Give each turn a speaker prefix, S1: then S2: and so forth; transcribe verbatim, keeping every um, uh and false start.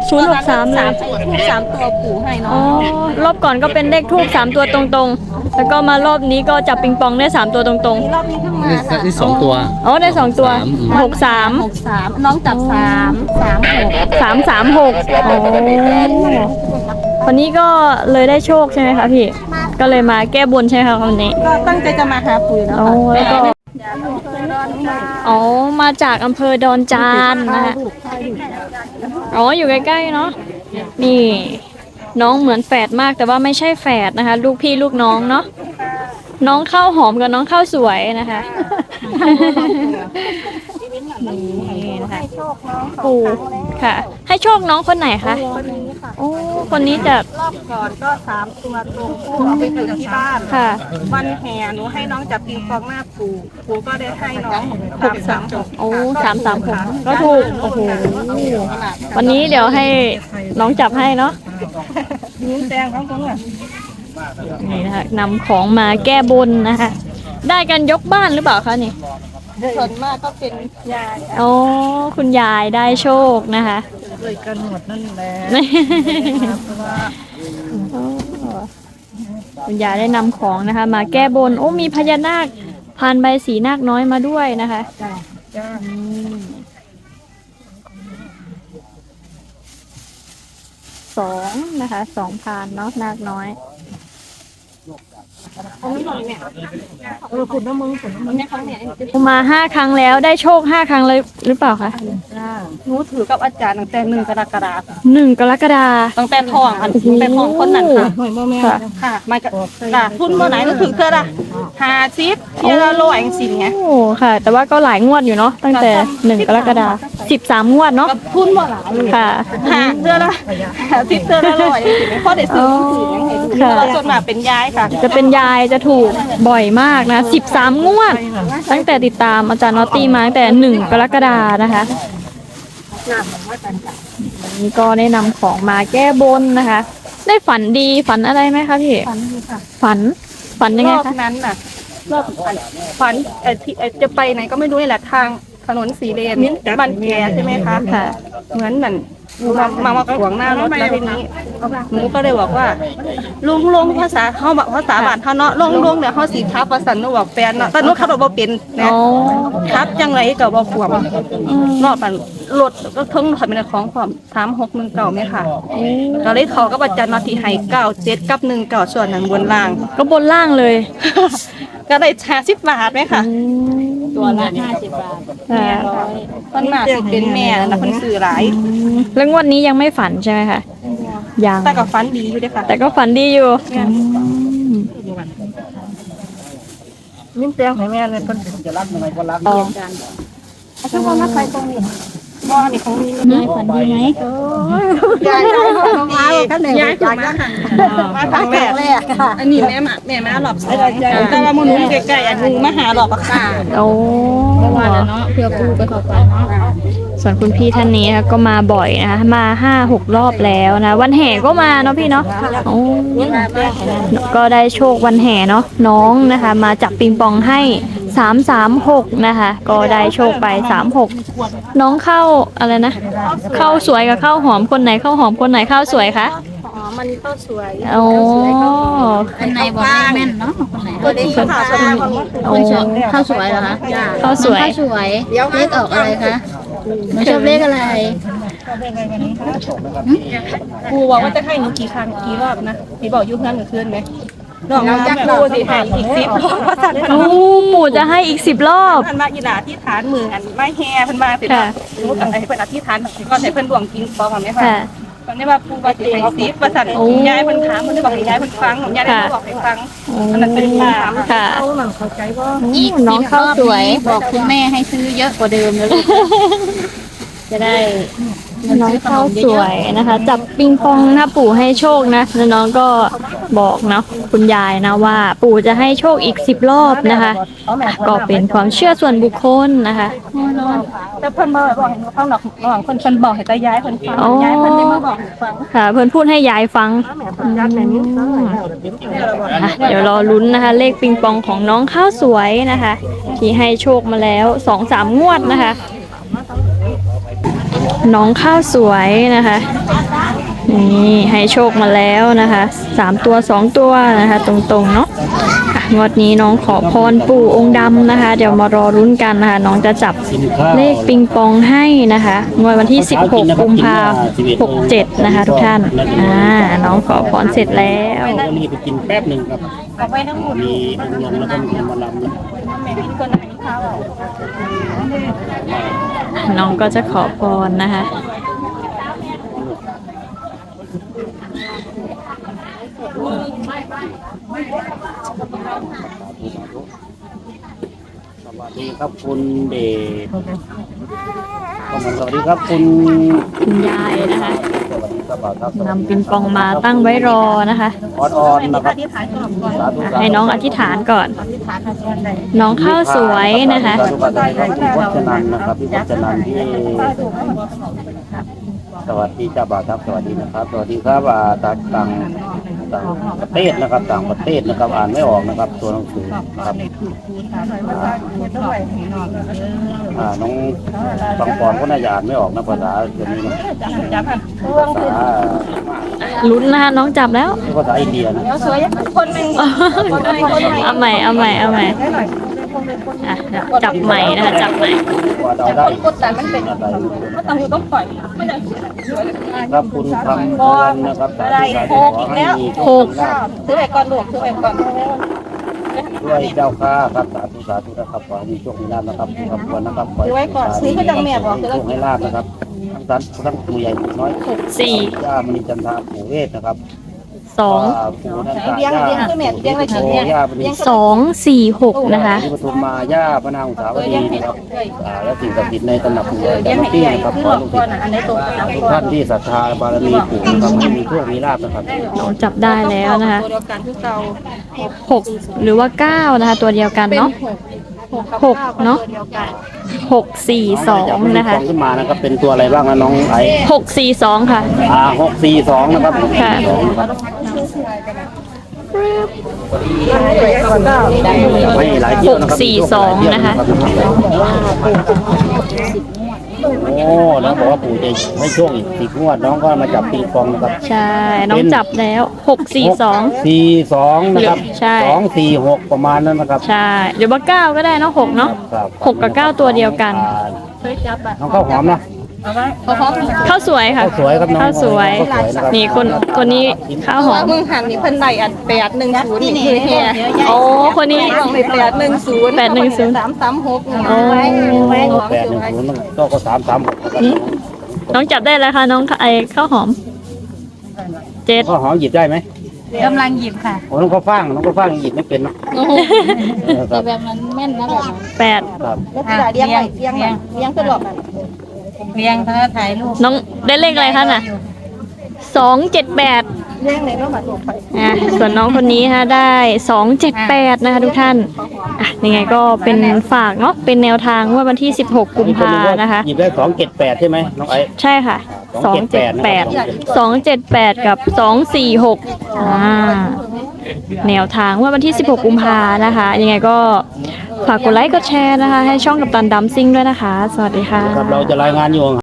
S1: ศูนย์หกสามเลย
S2: ทูบสามตัวปู่ให้น้อ
S1: อ๋อง รอบก่อนก็เป็นเลขทูบสามตัวตรงๆ แล้วก็มารอบนี้ก็จับปิงปองได้สามตัวตรง
S2: รอบนี้เพิ่งมา
S3: นี่
S2: ค่ะ
S3: นี่สองตัว
S1: ๆอ๋อได้สองตัวหกสาม
S2: หกสามน้องจับสามสามหก
S1: สามสามหกอ๋อวันนี้ก็เลยได้โชคใช่ไหมคะพี่ ก็เลยมาแก้บนใช่ไหมคะวันนี้
S2: ก็ตั้งใจจะมาหาปู่นะ
S1: อ๋อ
S2: คะ
S1: แล้วก็อ๋อมาจากอำเภอดอนจานนะคะอ๋ออยู่ใกล้ๆเนาะนี่น้องเหมือนแฝดมากแต่ว่าไม่ใช่แฝดนะคะ ลูกพี่ลูกน้องเนาะน้องข้าวหอมกับน้องข้าวสวยนะคะนี่นะคะปู่ค่ะ ให้โชคน้องคนไหนคะโอ้คนนี้จะ
S2: รอบก่อนก็สามตัวตรงปู่เอาไปถึงที่บ้าน
S1: ค่ะ
S2: วันแห่หนูให้น้องจับปิงปองหน้าปู่ปู่ก็ได้ให้น้องสามสามหก
S1: โอ้สามสามหกก็ถูกโอ้โหวันนี้เดี๋ยวให้น้องจับให้เนาะ
S2: นิ้วแดงทั้งตัว
S1: นี่นะคะนำของมาแก้บนนะคะ ได้กันยกบ้านหรือเปล่าคะนี่
S2: ส่วนมากก็เป็นยาย
S1: โอ้คุณยายได้โชคนะคะ
S2: เลยกันหมดนั่นแหละ
S1: โอ้คุณยายได้นำของนะคะ มาแก้บนโอ้มีพญานาคพานใบสีนาคน้อยมาด้วยนะคะ
S2: จ้า
S1: อืมสองนะคะสองพานเนาะนาคน้อย
S2: เออขุดน้ำมึงขุดน้ำมึงเนี่ยเขาเนี่ย
S1: มาห้าครั้งแล้วได้โชคห้าครั้งเลยหรือเปล่าคะ
S2: หนูถือกับอาจารย์ตั้งแต่หนึ่งกรกฎาคม
S1: หนึ่งกรกฎา
S2: ตั้งแต่ทองอันตั้งแต่ทองคนนั้นค่ะค่ะค่ะไม่ก็ค่ะทุนเมื่อไหร่หนูถือเท่าละห้าสิบเที่ยวละร้อยสิบไง
S1: โอ้ค่ะ แต่ว่าก็หลายงวดอยู่เนาะตั้งแต่หนึ่งกรกฎาสิบสามงวดเนาะ
S2: กับทุนเมื่อไหร่
S1: ค่ะ
S2: หาเท่าละห้าสิบเท่าละร้อยพ่อได้ซื้อถือยังไงดูเราส่วนมากเป็นยายค่ะ
S1: จะเป็นยายจะถูกบ่อยมากนะสิบสามงวด ตั้งแต่ติดตามอาจารย์นอตตี้มาตั้งแต่หนึ่งกรกฎานะคะวันนี้ก็ได้นำของมาแก้บนนะคะ ได้ฝันดีฝันอะไรไหมคะพี่
S2: ฝันดีค่ะ
S1: ฝันฝันยังไง
S2: รอบ
S1: คะ
S2: นั้นน่ะรอบฝันเอ่อที่เอ่อจะไปไหนก็ไม่รู้นี่แหละทางถนนสีเลนบ้านแกใช่ไหมคะ
S1: ค่ะ
S2: เหมือนเหมือนมามามาขวางหน้ารถแล้วทีนี้หนูก็เลยบอกว่าลุงลุงภาษาเขาบอกภาษาบ้านเขาเนาะลุงลุงเดี๋ยวเขาสีทับภาษาหนูบอกแฟนเนาะแต่หนูขับรถบ่เป็นนะ
S1: อ๋อ
S2: ทับจังไรก็บ่ขวมนอกจากรถก็ทั้งถอยเป็นของความสามหกหนึ่งเก่าไหมค่ะก็เลยเขาก็บัจจันนาทีให้เก้าเจ็ดกับหนึ่งเก่าส่วนนั้นบนล่าง
S1: ก็บนล่างเลย
S2: ก็ได้ชาสิบบาทไหมค่ะ
S1: ตัวละห้าสิบบาทค่ะ
S2: คนมาสิเป็นแม่นะคนซื้อหลาย
S1: แล้วงวดนี้ยังไม่ฝันใช่ไหมคะยัง
S2: แต่ก็ฟันดีอยู่ด้วยค่ะ
S1: แต่ก็ฝันดีอยู่
S2: นิ่มแตงให้แม่เลยคนจะรักยังไงก็รัก
S1: อ๋อ
S2: ถ้าว่านักใครตรงนี้บ่อนี่ของมี
S1: ยายฝันดีไหม
S2: ยายยายของมาท่านไหนยายถูกมามาทางแม่อันนี้แม่มาแม่มาหลอบแต่ว่ามึงนุ่มใกล้ๆอันนึงมาหาหลอบอะค่ะ
S1: โอ้
S2: เนาะเพื่อปูไปขอฟันเนาะ
S1: ส่วนคุณพี่ท่านนี้นะคะก็มาบ่อยนะคะมาห้าหกรอบแล้วนะ วันแห่ก็มาเนาะพี่เนาะโอ้ก็ได้โชควันแห่เนาะน้องนะคะ มาจับปิงปองให้สามสามหกนะคะ ก็ได้โชคไปสามหกน้องเข้าอะไรนะเข้าสวยกับเข้าหอมคนไหนเข้าหอมคนไหนเข้าสวยคะ
S2: อ๋อมันก็สวย
S1: โอ้
S4: คนไหนบอกเลขแม่นเนาะคนไหน
S2: ก็ดีค่ะสวย
S1: โอ้
S4: ข้าวสวยเหรอคะ
S1: เข้าสวย
S4: ข้าวสวยเลขออกอะไรคะหนูชอบเลขอะไร
S2: ปูบอกว่าจะให้หนูกี่ครั้งกี่รอบนะพี่บอกยุ่งเพื่อนหนูคืนไหมลองมาปูสิให้อีกสิบรอบว่าสั่น
S1: โอ้ปู่จะให้อีกสิบรอบ
S2: พันมาอีหลาที่ฐานมืออันไม่แห่เพิ่นมาสิว่าหนูกับไอ้เพิ่นอธิษฐานก็ใส่เพิ่นดวงกินปองไหมคะ
S1: ค่ะ
S2: ตอนนี้ว่าปูว่าสิให้สิบว่าสั่นยายเพิ่นถามเพิ่นได้บอกให้ยายเพิ่นฟังยายได้บอกให้ฟังอันนั้นเป็นถาม
S1: ค่ะ
S2: เอาหนังเข้าใจว่า
S4: อีก
S1: น้องข้าวสวย
S4: บอกคุณแม่ให้ซื้อเยอะกว่าเดิมเลยลูกจะได้
S1: น้องข้าวสวยนะคะ จับปิงปองนะปู่ให้โชคนะแล้วน้องก็บอกเนาะคุณยายนะว่า ปู่จะให้โชคอีกสิบรอบนะคะ ก็เป็นความเชื่อส่วนบุคคลนะคะ
S2: แต่เพิ่นบ่บอกให้หนูฟังหรอกระหว่างเพิ่นเพิ่นบอกให้ตายายเพิ่นฟังยายเพิ่นได้มาบอกให้ฟัง
S1: ค่ะ เพื่อนพูดให้ยายฟังอ่ะเดี๋ยวรอลุ้นนะคะ เลขปิงปองของน้องข้าวสวยนะคะ ที่ให้โชคมาแล้วสองสามงวดนะคะน้องข้าวสวยนะคะ นี่ให้โชคมาแล้วนะคะสามตัวสองตัวนะคะ ตรงๆเนาะอ่ะงวดนี้น้องขอพรปู่องค์ดำนะคะ เดี๋ยวมารอรุ้นกันนะคะ น้องจะจับเลขปิงปองให้นะคะงวดวันที่สิบหกกุมภาพันธ์หกเจ็ดนะคะ ทุกท่านอ่าน้องขอพรเสร็จแล้ว
S3: ก็รีบไปกินแป๊บหนึ่งครับ
S2: เอาไว้ทั้งหมด
S3: มีองค์ลงแล้วก็มีมาลำแล้ว
S2: แม่ที่คนไหนข้าว
S1: น้องก็จะขอพรนะคะ
S3: สวัสดีครับคุณเดชสวัสดีครับคุณ
S1: คุณยายนะคะ
S3: สวัสดีครับบ่าวครับ
S1: นำปิงปองมาตั้งไว้รอนะคะ
S3: ออนออนนะครับ
S2: ที่ขายก่อนก่อน
S3: สาธุ
S1: ให้น้องอธิษฐานก่อน
S2: ที่ขายขายก่อนได้
S1: น้องข้าวสวยนะคะ
S3: สาธุสาธุครับคุณวัชนันนะครับพี่วัชนันที่สวัสดีจ้าบ่าวครับสวัสดีนะครับ สวัสดีครับอ่าต่างต่างต่างประเทศนะครับ ต่างประเทศนะครับ อ่านไม่ออกนะครับตัวหนังสือครับ อ่าน้องบางปอนก็น่าจะอ่านไม่ออกนะภาษาเดี๋ยวนี้นะภาษา
S1: ลุ้นนะคะน้องจับแล้ว
S3: ภาษาอินเดียนะ
S2: สวยคนหนึ่ง
S1: เอาใหม่เอาใหม่เอาใหม่อ่ะเดี๋ยวจับใหม่นะคะจับใหม่
S3: ว่าเราได้
S2: กดแต่มันเป็น
S3: อะไร
S2: ก็ต้องต้องปล่อยไม่ได้
S3: ครับคุณคำพรนะครับสาธุสาธุขอให้มีโชคลาภ
S2: ซื้อไปก่อนหลวงซื้อไปก่อน
S3: ด้วยเจ้าข้าครับสาธุสาธุนะครับขอให้มีโชคมีลาภนะครับคุณคำพรนะครับขอให้
S2: ซื้อไว้ก่อนซื้อก็จังแม่บอก
S3: ให้
S2: ซื้อ
S3: โชคให้ลาภนะครับทั้งสันทั้งตัวใหญ่ตัวน้อย
S1: สี่
S3: ย่ามณีจันทราปู่เวทนะครับ
S1: สอง
S3: ปู่นันทา
S2: เลี้ยง
S3: ย่า
S2: เลี้ยงคือแม่เลี้ยงไว้กินเนี่ย
S3: ย่าณี
S1: สองสี่หกนะคะ
S3: ที่ปทุมมาย่าพระนางอุสาวดีนะครับอ่าและสิ่งศักดิ์สิทธิ์ในตำหนักปู่ใหญ่
S2: เลี้ยง
S3: เจ้า
S2: ให้
S3: ที่
S2: ใหญ่
S3: นะครับ
S2: คือ
S3: ข
S2: หล
S3: อ
S2: อก
S3: ลูก
S2: ก่อ
S3: ศิ
S2: น
S3: ษย์
S2: อันไหนตรงกับ
S3: ทุกท่านที่ศรัทธาบารมีปู่นะครับให้มีโชคมีลาภนะครับ
S1: น้องจับได้แล้วนะคะ
S2: ตัวเดียวกันคือเก่า
S1: หกหรือว่าเก้านะคะ ตัวเดียวกันเนาะ หกเนอะ
S2: ตัวเดียวกัน
S1: หกสี่สองนะคะ
S3: ขึ้นมานะครับเป็นตัวอะไรบ้างนะน้องไอ้
S1: หกสี่สองค่ะ
S3: อ่าหกสี่สองนะครับ
S1: ค่ะ
S3: สองนะครับไม่หลายเที่ยวนะครับ
S1: หกสี่สองนะคะ
S3: โอ้แล้วบอกว่าปู่จะให้โชคอีกสิบงวดน้องก็มาจับปิงปองนะครับ
S1: ใช่ น้องจับแล้วหกสี่สอง
S3: สี่สองนะครับ
S1: ใช่
S3: สองสี่หกประมาณนั้นนะครับ
S1: ใช่เดี๋ยวว่าเก้าก็ได้เนาะหกเนาะ
S3: ครับ
S1: หกกับเก้าตัวเดียวกัน
S3: น้องข้าวหอมนะ
S1: ข้าวสวยค่ะ
S3: ข้าวสวยครับน้อง
S1: ข้าวสวย
S3: ข้าวสวยนะครับ
S1: นี่คนคนนี้ข้าวหอม
S2: มึงหันนี่เพิ่นได้อันแปดหนึ่งศูนย์นี่คือเฮีย
S1: โอ้คนนี้
S2: ลองไปแปดหนึ่งศูนย์
S1: แปดหนึ่งศูนย์
S2: สามสามหก
S1: โอ้
S3: แปดหนึ่งศูนย์ก็ก็สามสามหกนะครับ
S1: น้องจับได้แล้วค่ะน้องไอ้ข้าวหอมเจ็ด
S3: ข้าวหอมหยิบได้ไหม
S4: กำลังหยิบค่ะ
S3: โอ้น้องข้าวฟ่างน้องข้าวฟ่างหยิบไม่เป็นเนาะเออค
S4: แต่
S3: รับ
S4: แบบนั้นแม่นนะแบบนั้น
S1: แปด
S3: ครับ
S2: แล้วที่เลี้ยงไว้เลี้ยงไว้เลี้ยงคือหลอกนั่น
S4: เรียงเขาถ่ายรูป
S1: น้องได้เลขอะไรคะน่ะสองเจ็ดแปด
S2: เลี้ยงในโลกบัตรหลวงไป
S1: อ่ะส่วนน้องคนนี้ฮะได้สองเจ็ดแปดนะคะทุกท่านอ่ะยังไงก็เป็นฝากเนาะเป็นแนวทางว่าวันที่สิบหกกุมภานะคะ
S3: หยิบได้สองเจ็ดแปดใช่ไหมน้องไอ้
S1: ใช่ค่ะสองเจ็ดแปดสองเจ็ดแปดกับสองสี่หกอ่าแนวทางว่าวันที่สิบหกกุมภานะคะ ยังไงก็ฝากกดไลค์กดแชร์นะคะ ให้ช่องกับตันดัมซิ่งด้วยนะคะ สวัสดีค่ะ
S3: ครับเราจะรายงานอยู่